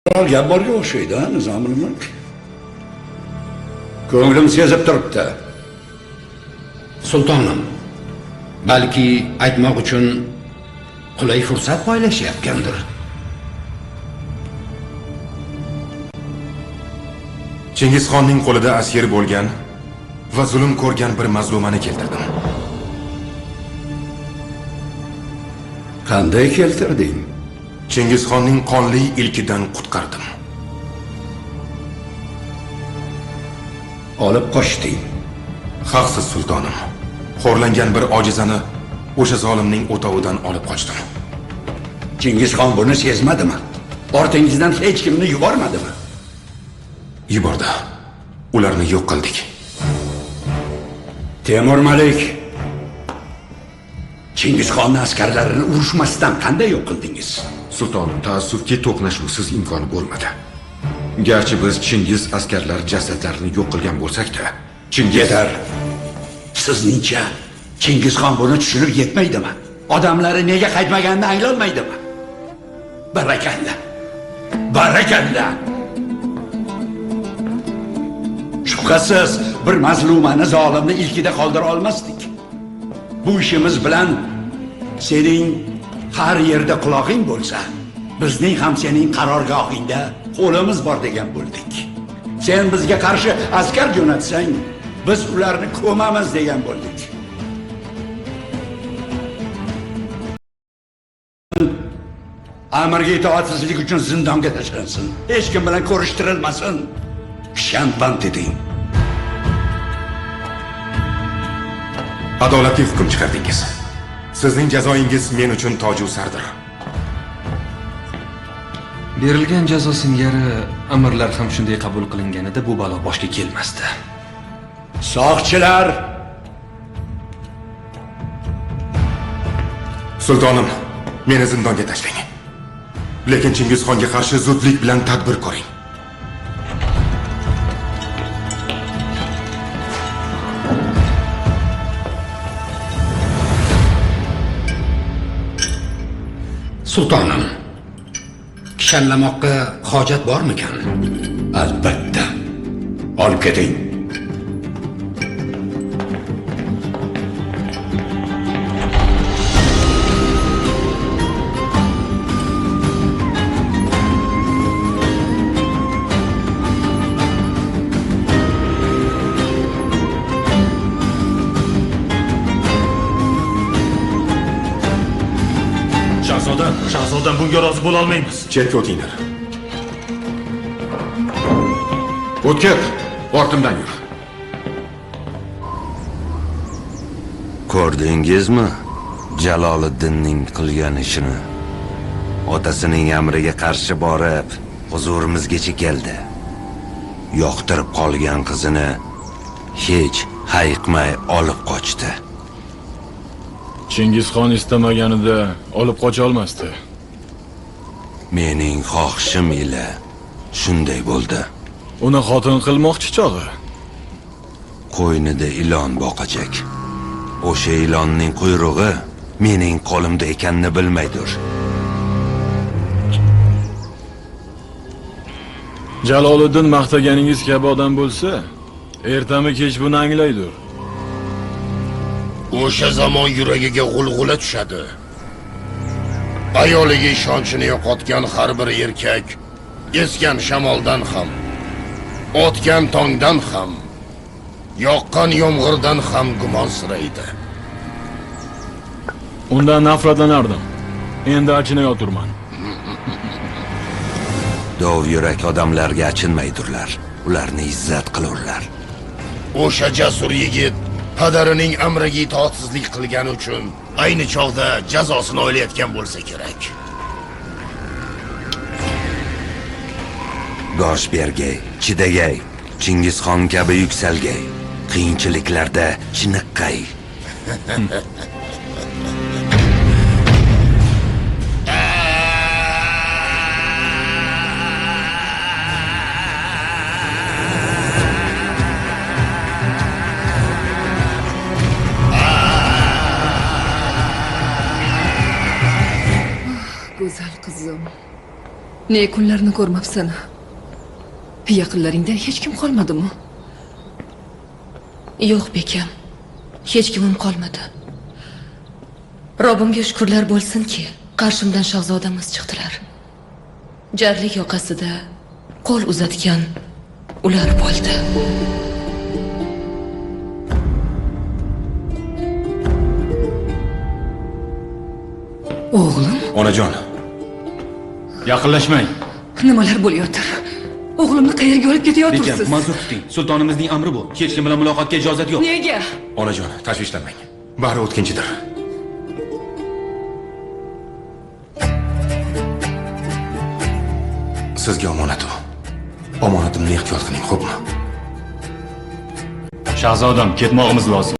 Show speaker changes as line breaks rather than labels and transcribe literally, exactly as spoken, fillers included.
gap borga o'xshaydi, ha, Nizomul mulk. Ko'nglim sezib turibdi.
Sultonim, balki aytmoq uchun qulay fursat poylashayotgandir.
Chingizxonning qo'lida asir bo'lgan va zulm ko'rgan bir mazlumani keltirdim.
Qanday keltirding?
Chingizxonning qonli ilkidan qutqardim.
Olib qochding.
Haqsiz sultonim. Xo'rlangan bir ojizani o'sha zolimning o'tovidan olib qochdim.
Chingizxon buni sezmadimi? Ortingizdan hech kimni yubormadimi?
Yubordi. Ularni yo'q qildik.
Temur Malik, Chingizxonning askarlarini urushmasdan qanday yo'q qildingiz?
Sultonim, taassufki to'qnashuvsiz imkoni bo'lmadi. Garchi biz Chingiz askarlar jasadlarini yo'q qilgan bo'lsak-da,
Chingiz yetar. Sizningcha Chingizxon buni tushunib yetmaydimi? Odamlari nega qaytmaganini anglolmaydimi? Barakalla. Barakalla. Shubhasiz bir mazlumani, zolimni ilkida qoldira olmasdik. Bu ishimiz bilan sening har yerda quloqing bo'lsa, bizning ham sening qarorgohingda qo'limiz bor degan bo'ldik. Sen bizga qarshi askar jo'natsang, biz ularni ko'mamiz degan bo'ldik. Amirga itoatsizlik uchun zindonga tashlansin. Hech kim bilan ko'rishtirilmasin. Kishanband eding.
Adolatli hukm chiqardingiz. Sizning jazoingiz men uchun toju sardir.
Berilgan jazo singari amirlar ham shunday qabul qilinganida bu balo boshga kelmasdi.
Soqchilar,
sultonim, meni zindonga tashlang. Lekin Chingizxonga qarshi zudlik bilan tadbir ko'ring.
Sultonim, kishanlamoqqa hojat bormikan?
albatta. Olib keting.
Shahzodam, shahzodam bunga rozi bo'la olmaymiz.
Chetga o'tinglar.
o'tkir, ortimdan yur.
Ko'rdingizmi Jaloliddinning qilgan ishini? Otasining amriga qarshi borib, huzurimizgacha keldi. Yoqtirib qolgan qizini hech hayiqmay olib qochdi.
Chingizxon istamaganida olib qocha olmasdi.
Mening xohishim ila shunday bo'ldi.
Uni xotin qilmoqchi chog'i.
Qo'ynida ilon boqajak. O'sha ilonning quyrug'i mening qo'limda ekanini bilmaydir.
Jaloliddin maqtaganingiz kabi odam bo'lsa, ertami kech buni anglaydir.
O'sha zamon yuragiga g'ulg'ula tushadi. Ayoliga ishonchini yo'qotgan har bir erkak esgan shamoldan ham, otgan tongdan ham, yoqqan yomg'irdan ham gumonsiraydi.
Undan nafratlanardim. Endi achinayotirman.
Dov yurak odamlarga achinmaydirlar. Ularni izzat qilurlar.
O'sha jasur yigit padarining amriga itoatsizlik qilgani uchun ayni chog'da jazosini o'ylayotgan bo'lsa kerak.
Gosh bergay, chidagay, Chingizxon kabi yuksalgay, qiyinchiliklarda chiniqqay.
Go'zal qizim. Ne kunlarni ko'rmabsan? Yaqinlaringdan hech kim qolmadimi?
Yo'q bekam. Hech kimim qolmadi. Robbimga shukrlar bo'lsinki, qarshimdan shahzodamiz chiqdilar. Jarlik yoqasida qo'l uzatgan ular bo'ldi.
O'g'lim,
Onajon,
Yaqinlashmang.
nimalar bo'layotir? O'g'limni qayerga olib ketayotirsiz?
Ma'zur tuting. Sultonimizning amri bu. Hech kim bilan muloqotga ijozat yo'q.
Nega?
onajon, tashvishlanmang. Bari o'tkinchidir. Sizga omonat u. Omonatimni ehtiyot qiling, xo'pmi?
Shahzodam, ketmog'imiz lozim.